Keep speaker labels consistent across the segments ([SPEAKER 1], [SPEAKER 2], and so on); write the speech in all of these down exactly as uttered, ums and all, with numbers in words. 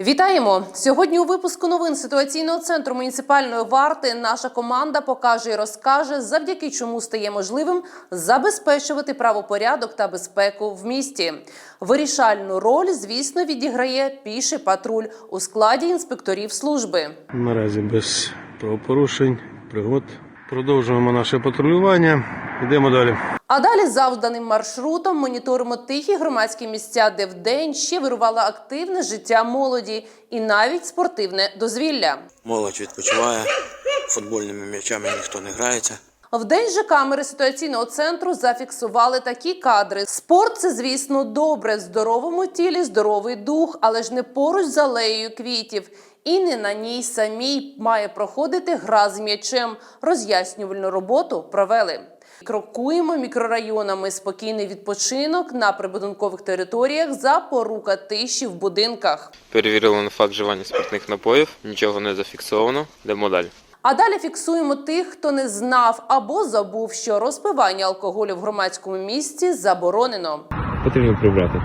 [SPEAKER 1] Вітаємо! Сьогодні у випуску новин ситуаційного центру муніципальної варти наша команда покаже і розкаже, завдяки чому стає можливим забезпечувати правопорядок та безпеку в місті. Вирішальну роль, звісно, відіграє піший патруль у складі інспекторів служби.
[SPEAKER 2] Наразі без правопорушень, пригод. Продовжуємо наше патрулювання. Йдемо далі.
[SPEAKER 1] А далі завданим маршрутом моніторимо тихі громадські місця, де вдень ще вирувало активне життя молоді і навіть спортивне дозвілля.
[SPEAKER 3] Молодь відпочиває, футбольними м'ячами ніхто не грається.
[SPEAKER 1] Вдень же камери ситуаційного центру зафіксували такі кадри. Спорт – це, звісно, добре. В здоровому тілі здоровий дух, але ж не поруч з алеєю квітів. І не на ній самій має проходити гра з м'ячем. Роз'яснювальну роботу провели. Крокуємо мікрорайонами. Спокійний відпочинок на прибудинкових територіях, запорука тиші в будинках.
[SPEAKER 4] Перевірили на факт вживання спиртних напоїв, нічого не зафіксовано, йдемо далі.
[SPEAKER 1] А далі фіксуємо тих, хто не знав або забув, що розпивання алкоголю в громадському місці заборонено.
[SPEAKER 5] Потрібно прибрати.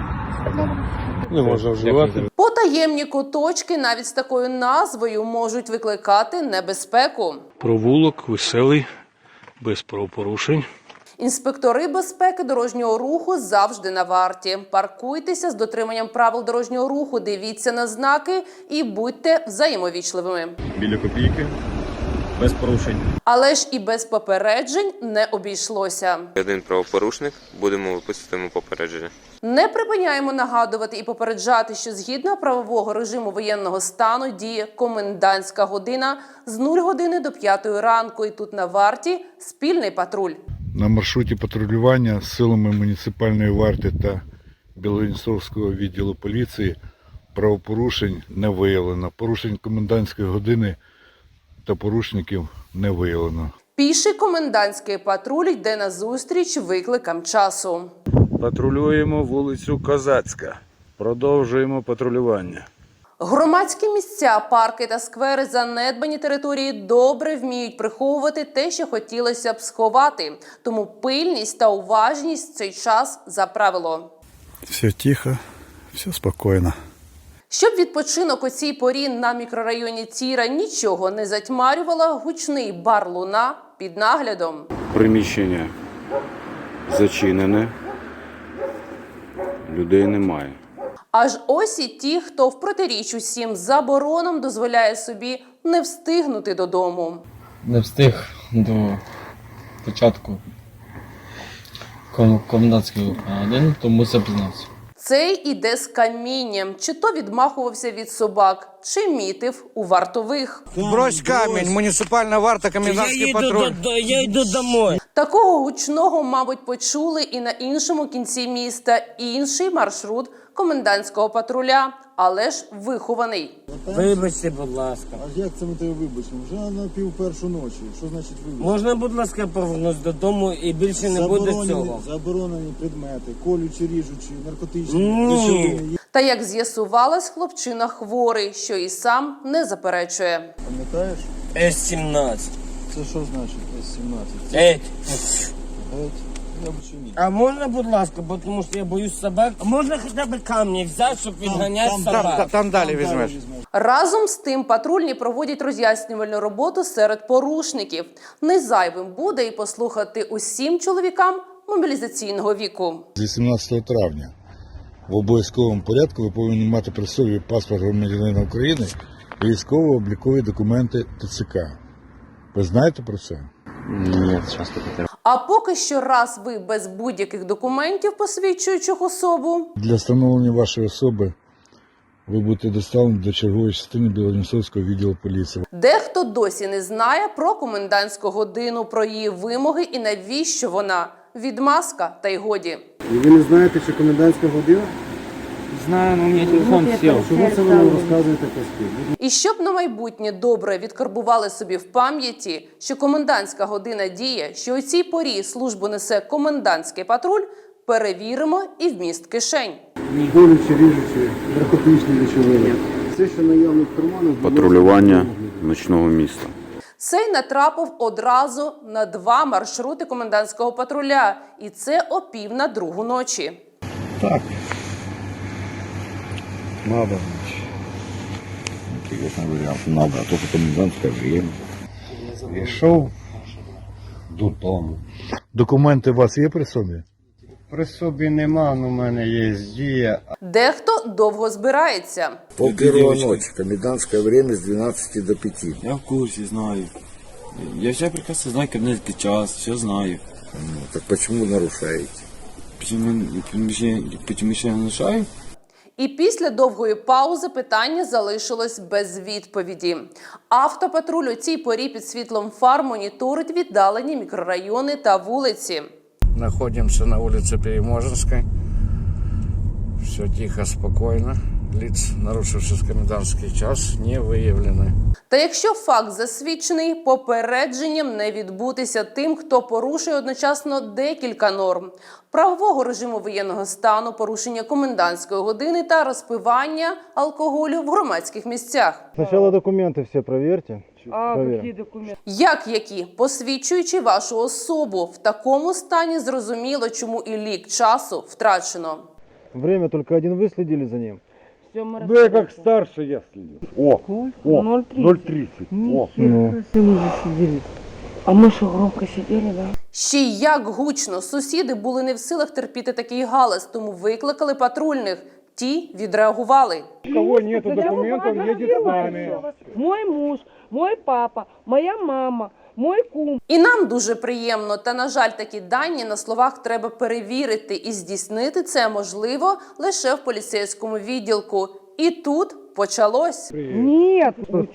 [SPEAKER 2] Не можна вживати.
[SPEAKER 1] Потаємні куточки навіть з такою назвою можуть викликати небезпеку.
[SPEAKER 2] Провулок веселий, без правопорушень.
[SPEAKER 1] Інспектори безпеки дорожнього руху завжди на варті. Паркуйтеся з дотриманням правил дорожнього руху, дивіться на знаки і будьте взаємовічливими.
[SPEAKER 5] Біля копійки, без порушень.
[SPEAKER 1] Але ж і без попереджень не обійшлося.
[SPEAKER 4] Один правопорушник, будемо виписувати йому попередження.
[SPEAKER 1] Не припиняємо нагадувати і попереджати, що згідно правового режиму воєнного стану діє комендантська година з нуль години до п'ятої ранку. І тут на варті спільний патруль.
[SPEAKER 6] На маршруті патрулювання з силами муніципальної варти та Білоїнцовського відділу поліції правопорушень не виявлено. Порушень комендантської години та порушників не виявлено.
[SPEAKER 1] Піший комендантський патруль йде назустріч викликам часу.
[SPEAKER 7] Патрулюємо вулицю Козацька. Продовжуємо патрулювання.
[SPEAKER 1] Громадські місця, парки та сквери, занедбані території добре вміють приховувати те, що хотілося б сховати. Тому пильність та уважність в цей час за правило.
[SPEAKER 6] Все тихо, все спокійно.
[SPEAKER 1] Щоб відпочинок у цій порі на мікрорайоні Тіра нічого не затьмарювало, гучний бар «Луна» під наглядом.
[SPEAKER 7] Приміщення зачинене. Людей немає.
[SPEAKER 1] Аж ось і ті, хто в протиріч усім заборонам дозволяє собі не встигнути додому.
[SPEAKER 8] Не встиг до початку ком- комендантської години, тому запізнився.
[SPEAKER 1] Цей іде з камінням, чи то відмахувався від собак, чи мітив у вартових.
[SPEAKER 3] Брось камінь, муніципальна варта, комендантський патруль.
[SPEAKER 8] Я йду домой.
[SPEAKER 1] Такого гучного, мабуть, почули і на іншому кінці міста інший маршрут комендантського патруля, але ж вихований.
[SPEAKER 8] Вибачте, будь ласка.
[SPEAKER 9] А як це ми тебе вибачимо? Вже на пів першу ночі. Що значить вибачити?
[SPEAKER 8] Можна, будь ласка, повернутися додому і більше не буде цього?
[SPEAKER 9] Заборонені предмети, колючі, ріжучі, наркотичні,
[SPEAKER 8] Ні.
[SPEAKER 9] речовини.
[SPEAKER 1] Та, як з'ясувалось, хлопчина хворий, що і сам не заперечує.
[SPEAKER 9] Пам'ятаєш?
[SPEAKER 8] С сімнадцять.
[SPEAKER 9] Це що значить С сімнадцять?
[SPEAKER 8] Геть.
[SPEAKER 9] Геть. Я б чи ні?
[SPEAKER 8] А можна, будь ласка, бо тому що я боюсь собак. А можна хоча б камні взяти, щоб відганяти
[SPEAKER 9] там,
[SPEAKER 8] собак?
[SPEAKER 3] Там, там далі
[SPEAKER 9] Далі
[SPEAKER 3] візьмеш.
[SPEAKER 9] візьмеш.
[SPEAKER 1] Разом з тим патрульні проводять роз'яснювальну роботу серед порушників. Не зайвим буде і послухати усім чоловікам мобілізаційного віку.
[SPEAKER 6] З вісімнадцятого травня в обов'язковому порядку ви повинні мати при собі паспорт громадянина України і військово-облікові документи ТЦК. Ви знаєте про це?
[SPEAKER 5] Ні, часто потрібно.
[SPEAKER 1] А поки що, раз ви без будь-яких документів, посвідчуючих особу,
[SPEAKER 6] Для встановлення вашої особи ви будете доставлені до чергової частини Білоїнцовського відділу поліції.
[SPEAKER 1] дехто досі не знає про комендантську годину, про її вимоги і навіщо вона. Відмазка та й годі.
[SPEAKER 9] І ви не знаєте, що комендантська година?
[SPEAKER 5] Знаю, но у меня телефон сел.
[SPEAKER 9] Чому це ви нам розказуєте казки?
[SPEAKER 1] І щоб на майбутнє добре відкарбували собі в пам'яті, що комендантська година діє, що у цій порі службу несе комендантський патруль, перевіримо і вміст кишень.
[SPEAKER 9] Колючі, ріжучі, наркотичні речовини. Все, що наявно в карманах.
[SPEAKER 7] Патрулювання ночного міста.
[SPEAKER 1] Цей натрапив одразу на два маршрути комендантського патруля. І це о пів на другу ночі.
[SPEAKER 6] Так. Мабуть.
[SPEAKER 5] Честно говоря, надо, а только комендантское время.
[SPEAKER 9] Пішов додому.
[SPEAKER 6] Документи у вас є при собі?
[SPEAKER 9] При собі нема, але в мене є дія.
[SPEAKER 1] Дехто довго збирається.
[SPEAKER 9] Пол первого ночи, комендантское время с двенадцати до пяти.
[SPEAKER 5] Я в курсе, знаю. Я все прекрасно знаю комендантский час, все знаю.
[SPEAKER 9] Ну, так почему нарушаете?
[SPEAKER 5] Почему, почему, почему я нарушаю?
[SPEAKER 1] І після довгої паузи питання залишилось без відповіді. Автопатруль у цій порі під світлом фар моніторить віддалені мікрорайони та вулиці.
[SPEAKER 10] Находимся на улице Переможенской. Все тихо, спокойно. Лиц, нарушивших комендантский час, не выявлены.
[SPEAKER 1] Та якщо факт засвідчений, попередженням не відбутися тим, хто порушує одночасно декілька норм – правового режиму воєнного стану, порушення комендантської години та розпивання алкоголю в громадських місцях.
[SPEAKER 9] Спочатку документи всі перевірте.
[SPEAKER 8] А, які документи?
[SPEAKER 1] Як які? Посвідчуючи вашу особу. В такому стані зрозуміло, чому і лік часу втрачено.
[SPEAKER 9] Время только один вы следили за ним.
[SPEAKER 8] Все, ми
[SPEAKER 9] Да я как старше я следил. О, о,
[SPEAKER 8] ноль
[SPEAKER 9] ноль тридцать. О, ну.
[SPEAKER 8] А ми що, громко сиділи, да?
[SPEAKER 1] Ще й як гучно. Сусіди були не в силах терпіти такий галас, тому викликали патрульних. Ті відреагували.
[SPEAKER 9] У кого нету документов, едет с нами.
[SPEAKER 8] Мой муж, мой папа, моя мама, мой кум.
[SPEAKER 1] І нам дуже приємно, та, на жаль, такі дані на словах треба перевірити, і здійснити це можливо лише в поліцейському відділку. І тут почалось.
[SPEAKER 8] Ні,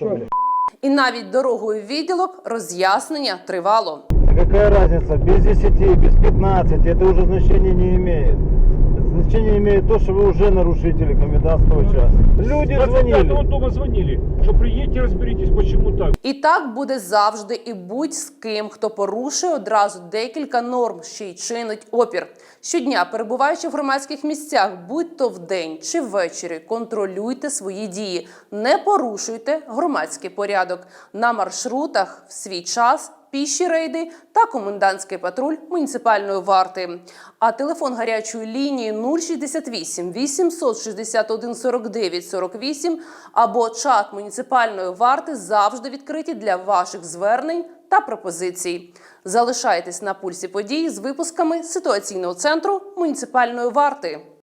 [SPEAKER 1] І навіть дорогою в відділок роз'яснення тривало.
[SPEAKER 9] Какая разница, без десяти, без пятнадцати, это уже значения не имеет. Значение имеет то, что вы уже нарушители комендантского часа. Люди звонили.
[SPEAKER 2] дома звонили, що приїдьте, розберітесь, чому так.
[SPEAKER 1] І так буде завжди і будь з ким, хто порушує одразу декілька норм, ще й чинить опір. Щодня, перебуваючи в громадських місцях, будь то вдень чи ввечері, контролюйте свої дії, не порушуйте громадський порядок. На маршрутах в свій час піші рейди та комендантський патруль муніципальної варти. А телефон гарячої лінії нуль шістдесят вісім вісімсот шістдесят один сорок дев'ять сорок вісім або чат муніципальної варти завжди відкриті для ваших звернень та пропозицій. Залишайтесь на пульсі подій з випусками ситуаційного центру муніципальної варти.